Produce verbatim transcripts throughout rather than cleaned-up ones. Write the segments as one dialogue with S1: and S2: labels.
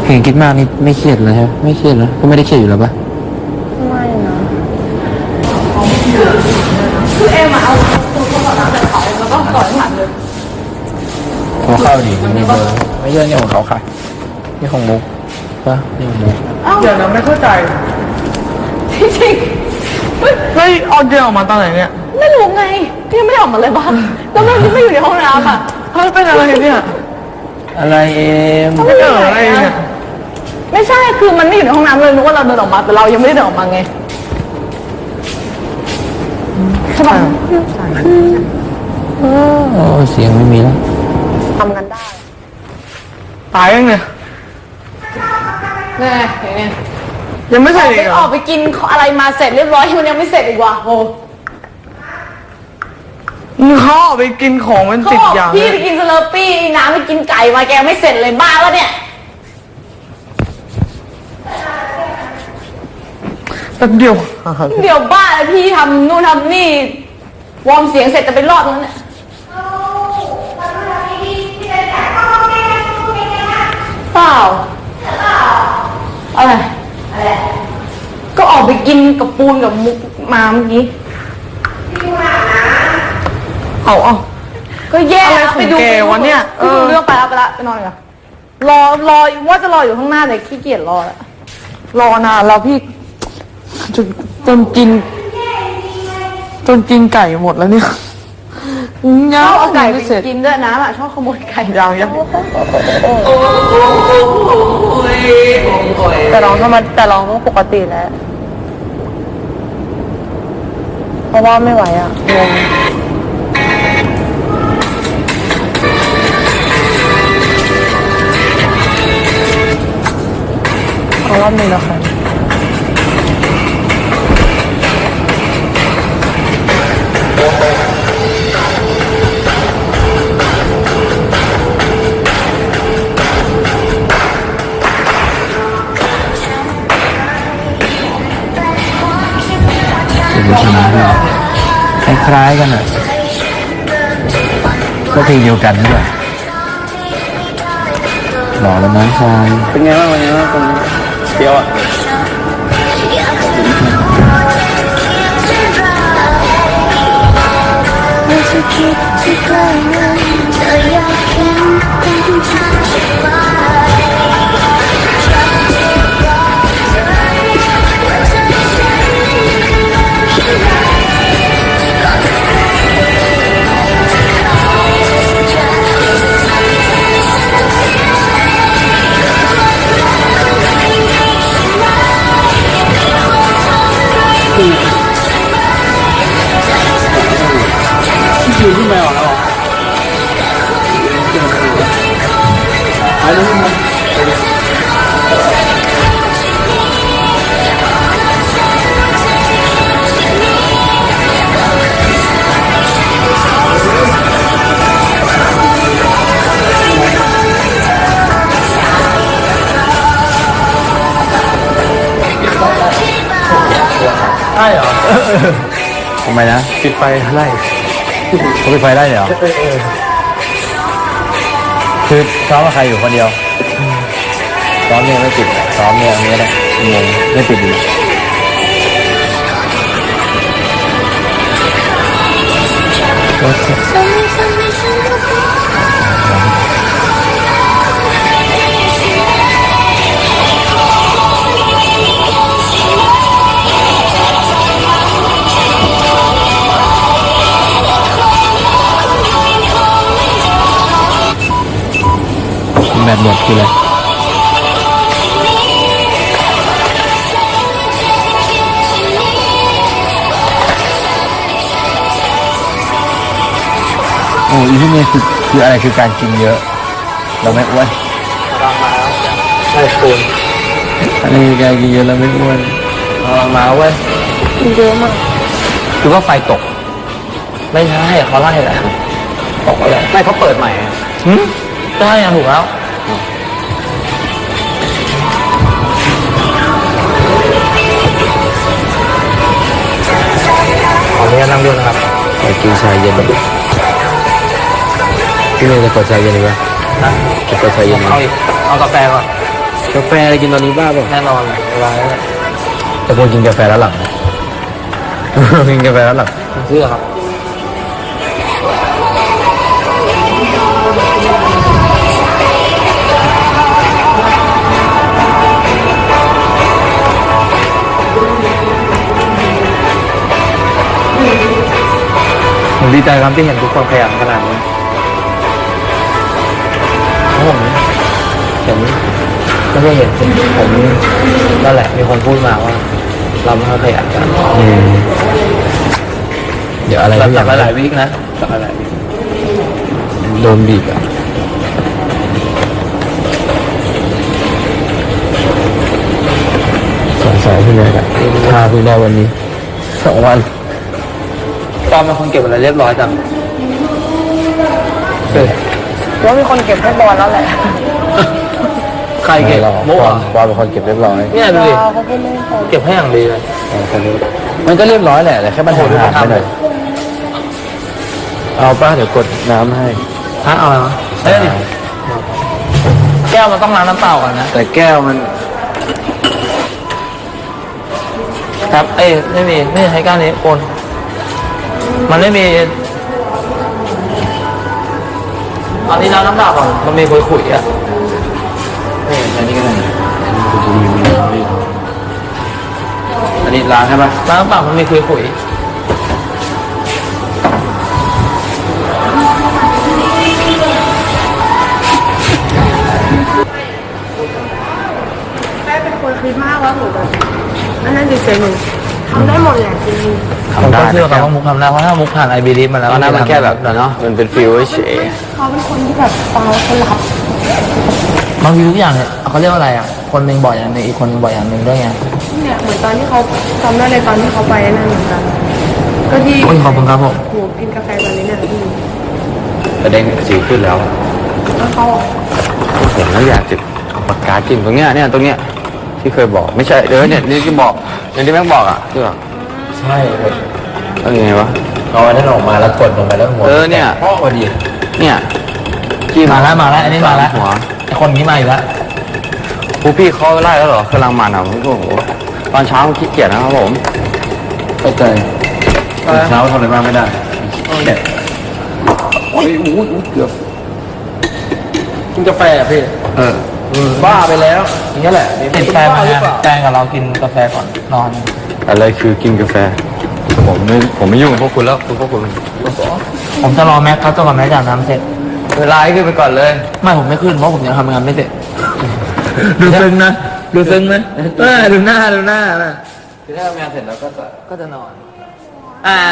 S1: เห็นคิดมากนี่ไม่เครียดเลยใช่ไหมไม่เครียดแล้วก็ไม่ได้เครียดอยู่แล้วปะ
S2: ไม่นะ
S3: คือเอ็มอะเอาตัวเขาก่อนแล้วเขาแล้วก็ก่อนผ่านเลย
S1: โทรเข้าดิมันมีเบอร์ไม่ใช่นี่ของเขาค่ะนี่ของมุกปะนี่ของมุก
S2: เดี๋ยวนะไม่เข้าใจ
S3: จริง
S2: ๆไม่เอาเดินออกมาตอนไหนเนี่ย
S3: ไม่รู้ไงพี่ไม่ได้ออกมาเลยบ้างแล้วมันไม่อยู่ในห้องน้ำอ่ะ
S2: เฮ้ยเป็นอะไรเนี่ย
S1: อะไรเอ็ม
S2: ไม่เจออะไรเนี่ย
S3: ไม่ใช่คือมันไม่อยู่ในห้องน้ำเลยนึกว่าเราเดินออกมาแต่เรายังไม่ได้เดินออกมาไงใช่ป่ะ
S1: โอ้เสียงไม่มีแล้ว
S3: ทำกันได้
S2: ตายยังเนี่ย
S3: นี่อย่างเนี้ย
S2: ยังไม่เสร็จอีกเหรอ
S3: ออกไปกินอะไรมาเสร็จเรียบร้อยมันยังไม่เสร็จอีกว่ะโอ้
S2: เขาออกไปกินของมันติดอย่าง
S3: พี่ไปกินสเลอร์ปี้น้ำไปกินไก่มาแกไม่เสร็จเลยบ้าแล้วเนี่ย
S2: แป๊บเดียว
S3: เดี๋ยวบ้าเลยพี่ทำนู่นทำนี่วอร์มเสียงเสร็จจะไปรอดแล้วเนี่ยเปล่าอะไรอะไรก็ออกไปกินกับปูนกับมุกมาเมื่อกี้
S2: เอาเอา
S3: ก็แย่
S2: ไปดูวันเนี้ย
S3: ไปดูเรื่องไปแล้วไปละไปนอนกันรอรอว่าจะรออยู่ข้างหน้าแต่ขี้เกียจรอแล้ว
S2: รอนานแล้วพี่จนจนกินจนกินไก่หมดแล้วเนี่ย
S3: ชอบเอาไก่ไปกินด้วยนะอ่ะชอบขโมยไก่
S2: ยังยังแต่ร้องธรรมดาแต่ร้องปกติแล้วเพราะว่าไม่ไหวอ่ะงงเอารอบนี้แล้วค่ะ
S1: เป็นชนะด้วยคล้ายๆกันอ่ะก็เพลงเดียวกันด้วยหล่อแล้วน้องชายเป็นไงบ้างวันนี้ตรงเดียวอ่ะไม่ใช่คิดที่ใกล้นั้นแต่อยากเห็นคนที่ฉันจะไปอยู่ที่แมวแล้วหายไปที่มันใช่เหรอทำไมนะปิดไฟไล่เขาปิดไฟได้เหรอคือซ้อมกับใครอยู่คนเดียวซ้อมเนี่ยไม่ปิดซ้อมเนี่ยอันนี้แหละงงไม่ปิดดีแบบหมดคืออะไรโอ้ยที่นี่คือคืออะไรคือการกินเยอะเราไม่อ้วนตามมาแล้วไม่ควรอันนี้คือการกินเยอะเราไม่อ้วนตามมาเว้ย
S2: กินเยอะมาก
S1: คือว่าไฟตกไม่ใช่เขาไล่แหละตกอะไรไม่เขาเปิดใหม่หืมใช่ถูกแล้วขออนุญาตนั่งด้วยนะครับไปกินชาเย็นพี่เมย์จะกดชาเย็นหรือเปล่าจะกดชาเย็นเอาอีกเอากาแฟก่อนกาแฟอะไรกินตอนนี้บ้าป่ะ
S4: แน่นอนเวลาเนี่ย
S1: แต่ควรกินกาแฟแล้วหลัง กินกาแฟแล้วหลัง
S4: ผมเชื่อครับผมดีใจครับที่เห็นทุกคนขยันขนาดนี้ผมเห็นไม่ได้เห็นผมนั่นแหละมีคนพูดมาว่า เราไม่ค่อยขยันกัน
S1: อืมเดี๋ยวอะไร
S4: หลั
S1: ทุกอย่าง
S4: หลายๆวิกนะหลายๆวิก
S1: โดนบีบอ่ะสงสัยพี่แม่กันพาพี่ได้วันนี้สองวัน
S4: ตอนเป็นคนเก็บอะไรเรียบร้อยจัง
S1: เฮ้ย
S2: ว่ามีคนเก็บให้บอลแล้วแหละ
S4: ใครเก็บ
S1: หรอก
S4: มุก
S1: ป
S4: เหร
S1: อ
S4: อ
S1: มปอมเป็นคนเก็บเรียบร้อย
S4: เนี่ยดูดิ
S2: เขาพูดเล่นไป
S4: เก็บให้อย่างดีเลย
S1: เออคนนี้มันก็เรียบร้อยแหละแต่แค่มันหายไปหน่อยเอาป้าเดี๋ยวกดน้ำให้
S4: ฮะเอาอะไรมาเฮ้ยดิแก้วมันต้องล้างน้ำเปล่าก่อนนะ
S1: แต่แก้วมัน
S4: ครับ เอ้ยไม่มีไม่ใช้ก้านนี้โอนมันไม่มีอันนี้ล้างน้ำเปล่าก่อนมันมีขุยๆอ่ะ
S1: เอออันนี้ก็ได้อันนี้ล้างใช่ปะ
S4: ล้างน้ำเปล่ามันมีขุย
S3: แม่เป็นคนคิดมากว่าหนูแบบอันนั้นดิเซนทำได้หมดแหละจริง
S4: ๆผมก็เชื่อกันว่ามุกทำได้เพราะถ้ามุกผ่านไอบีดีมาแล้ว
S1: ตอนนั้นมันแค่แบบ
S4: เนาะ
S1: มันเป็นฟิลเฉย
S3: เขาเป็นคนที่แบบฟังแล้วเขารับบ
S4: างทีทุกอย่างเนี่ยเขาเรียกว่าอะไรอ่ะคนหนึ่งบอกอย่างหนึ่งอีกคนหนึ่งบอกอย่างหนึ่งด้วยไง
S3: เนี่ยเหมือนตอนที่เขาจำได้เลยตอนที่เขาไปนั่นเหมือนกันก็ที่
S4: โอ้ยขอบคุณครับผม
S3: หนูกินกาแฟตอนนี้เนี่ยพี่
S1: ประเด็นสีขึ้นแล้ว
S3: แล้วเขา
S1: ผมแล้วอยากจะเอาปากกาจิ้มตรงเนี้ยเนี่ยตรงเนี้ยที่เคยบอกไม่ใช่เดี๋ยวเนี่ยนี่ที่บอกอย่างที่แม่งบอกอ่ะที่บอก
S4: ใช่
S1: แล้วยังไงวะ
S4: เอาอันนั้นออกมาแล้วกดลงไปแล้วหัว
S1: เออเนี่ย
S4: พ่อพอดี
S1: เนี่ยจิ้
S4: มาแล้วมาแล้วอันนี้มาแล้ว
S1: หัว
S4: ไอคนนี้มาอีกแล้ว
S1: ครูพี่เขาไล่แล้วเหรอกำลังมันอ่ะผมก็โอ้โหตอนเช้าขี้เกียจนะครับผมเข้าใจตอนเช้าทำอะไรบ้างไม่ได้เด็ดโอ้ยโอ้ยเกือบ
S4: กินกาแฟอ่ะพี่
S1: เออ
S4: บ้าไปแล้วอย่างนี้แหละติดแฟนมาไงแฟนกับเรากินกาแฟก่อนนอน
S1: อะไรคือกินกาแฟผมไม่ผมไม่ยุ่งกับพวกคุณแล้วคือพวกคุณ
S4: ผมจะรอแม็กเขาจนกว่าแม็กจะอาบน้ำเสร็จ
S1: เวลาให้ขึ้นไปก่อนเลย
S4: ไม่ผมไม่ขึ้นเพราะผมยังทำงานไม่เสร็จ ดูซึ้งนะดูซึ้งไหมเออดูหน้าดูหน้านะ
S1: คือถ้าทำงานเสร็จแล้วก็จะ
S4: ก็จะนอน อ่า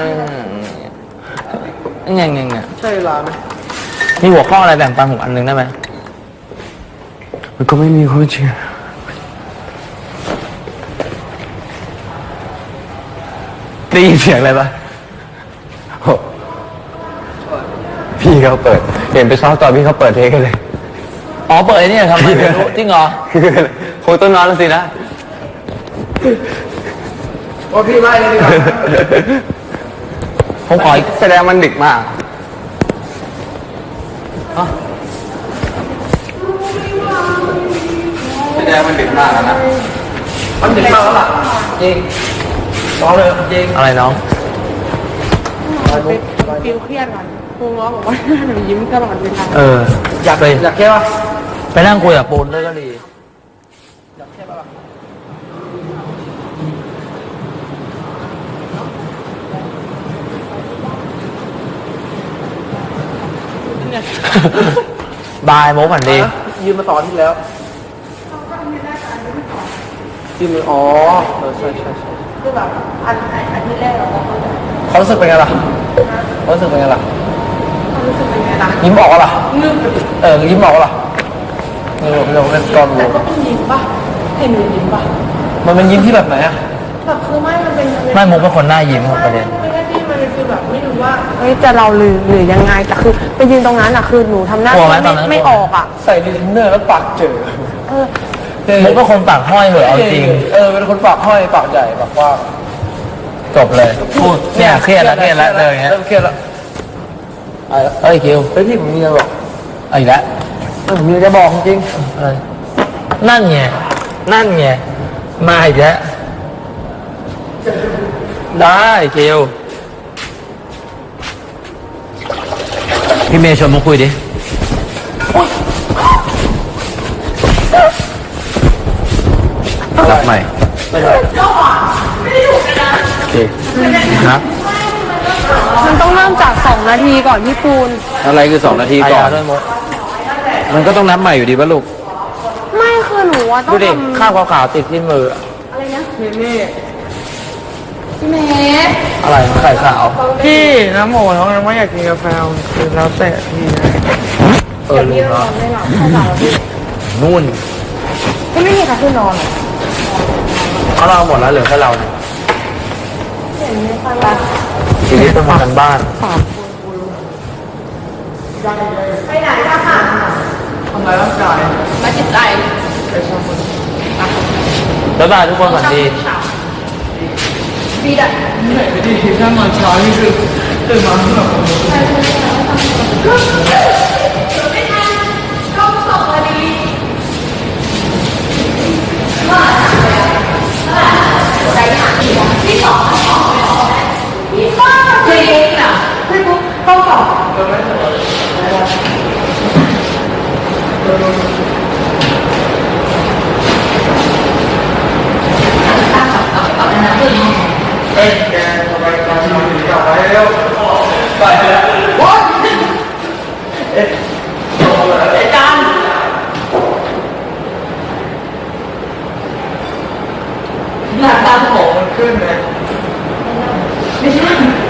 S4: เงี้ยเงี้ยเงี้ย
S1: ใช่เวลาไหม
S4: มีหัวข้ออะไรแบ่งปันผมอันนึงได้ไหม
S1: มันก็ไม่มีความจริงได้ยินเสียงอะไรปะโอ้พี่เขาเปิด เห็นไปซ้อมต่อพี่เขาเปิดเทคกันเลย
S4: อ๋อเปิดไอ้นี่ทำไมไม่รู้จริงเหรอ
S1: คือคงต้องนอนแล้วสินะ
S4: โอ้พี่ไล่เลยดีกว่าผมขอ
S1: แสดงมันดึกมาก แสดงมันดึกมากนะ
S4: มันถึงมากแล้วล่ะจริงร้องเลยจริงอะไรน้อง
S3: ฟิลเครียดก่อนครูง้อบอกว่าหนูยิ้มตลอดเวลา
S4: เออ อยากไปอยากแค่ว่าไปนั่งคุยกับปูนด้วยก็ดีอยากแค่ป่ะบายโมกันดี
S2: ยืมมาสอนที่แล้วยืมอ๋อเออใช่ใช่ใช่
S3: คือแบบอันอันที่แรกเราก็เข้าใจ
S4: เขารู้สึกเป็นไงล่ะเขารู้สึกเป็นไงล่ะ
S3: ความรู้สึกเป็นไงล่ะ
S4: ยิ้มออกล่ะ
S3: งึบ
S4: เออยิ้มออกล่ะเออเราเป็นกอง
S3: แต่ก็ต้องยิ้มป่ะเห็นหนูยิ้มป่ะ
S4: มันเป็นยิ้มที่แบบไหนอะ
S3: แบบคือไม่มันเป็น
S4: ไม่มุกเป็นคนหน้ายิ้มครับประเด็น
S3: ไม่ใช่ที่มันเป็นคือแบบไม่รู้ว่าเฮ้ยจะเราหรือหรือยังไงแต่คือไปยืนตรงนั้นอ่ะคือหนูทำหน้าก
S4: ลัวไหม
S3: ไม่
S4: ตอนนั้น
S3: ไม่ออกอ่ะ
S2: ใส่ดินเนอร์แล้วปากเจอ
S3: เออ
S4: มุกเป็นคนปากห้อยเหอะเอาจริง
S2: เออเป็นคนปากห้อยปากใหญ่ปากกว้าง
S4: จบเลยพูดเนี่ยเครียดแล้วเครียดแล้วเลยอย่างเงี้ย
S2: เริ่มเครียดแล้ว
S4: เอ้ยคิว
S2: เฮ้ยพี่ผมมีอะไรบอก
S4: เอาอีกแล้ว
S2: เออผมมีอะไรจะบอกจริง
S4: อะไร
S2: ๆ
S4: นั่นไงนั่นไงมาอีกแล้วได้เกลพี่เมย์ชวนมาคุยดิรับใหม่ไม่ได้โอเคนะ
S3: มันต้องเริ่มจากสองนาทีก่อนพี่ปูน
S1: อะไรคือสองนาทีก่อน
S4: ด้วยมด
S1: มันก็ต้องนับใหม่อยู่ดีป่ะลูก
S3: ไม่คือหนูว่าต้อ
S4: ดู
S3: ง
S4: ดิ
S3: ทำ
S4: ข้าวขาวๆติดที่มือ
S3: พี่เมย์
S4: อะไรไข่ขาว
S2: พี่น้ำโมเขายังไม่อยากกินกาแฟคือแล้วแต่พี่นะ
S4: เออลืมเนาะ
S3: ไม่หรอกเข้าใจแล้วพี่
S4: นู่น
S3: ก็ไม่มีใครขึ้นนอนหรอ
S4: เขาเราหมดแล้วเหลือแค่เราเนี่ย
S3: เห็นไหมคะ
S4: ชีวิตต้องมากันบ้าน
S3: ไปไหนอะค่ะ
S2: ทำร้ายร่างกาย
S3: มาจิตใจ
S4: บ๊ายบายทุกคนสวัสดี
S3: บีดอะ
S2: เหนื่อยไปดิถ้านอนเช้านี่คือตื่นมาแบบ
S3: ไม่ทันก็สองนาทีที่สองที่สองคือเองอ่ะคือปุ๊บเข้าสอง
S2: เอ้ยแกทำไมตอนที่มันกลับไปเร็วไปแล้วว้าวเอ๊ะไอ้จันหน้าตาของมันขึ้นไหมไม่ใช่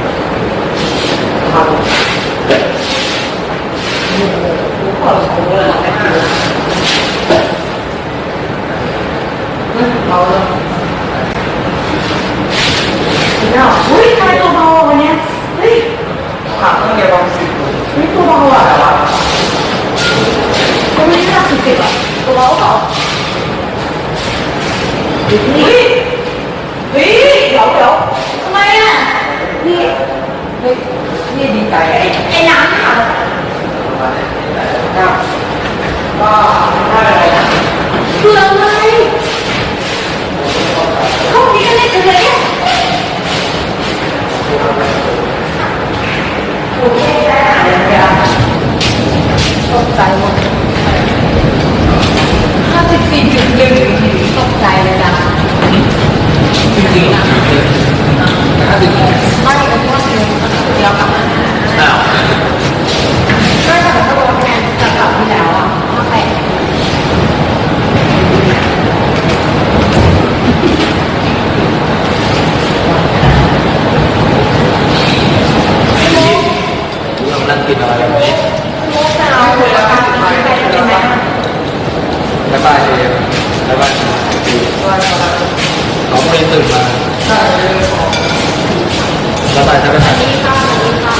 S2: เอาเลยอุ้ยทำไมตัวเบาวันนี้เฮ้ยขาต้องเรียนบางสิเฮ้ยตัวเบาอ่ะก็ไม่ได้หนักสิบสิบอ่ะตัวเบาเปล่าเฮ้ยเฮ้ยเดี๋ยวเดี๋ยวทำไมอ่ะนี่เฮ้ยนี่ดีใจไอ้ไอ้น้ำค่ะก็ได้อะไรนะคืออะไรเขามีกันเล่นกันเลยเนี่ยตกใจหมดห้าสิบสี่จุดหนึ่งตกใจเลยจ้ะจริงๆนะห้าสิบไม่เป็นว่าเดียวเดียวกับอ้าวก็จะบอกว่าแทนจากกลับที่แล้วอ่ะมาแปะ
S4: นั่งกินอะไรกันนี้บ๊ายบายเองบ๊ายบายเขาไม่ตื่นมาบ๊ายบายท่านประธาน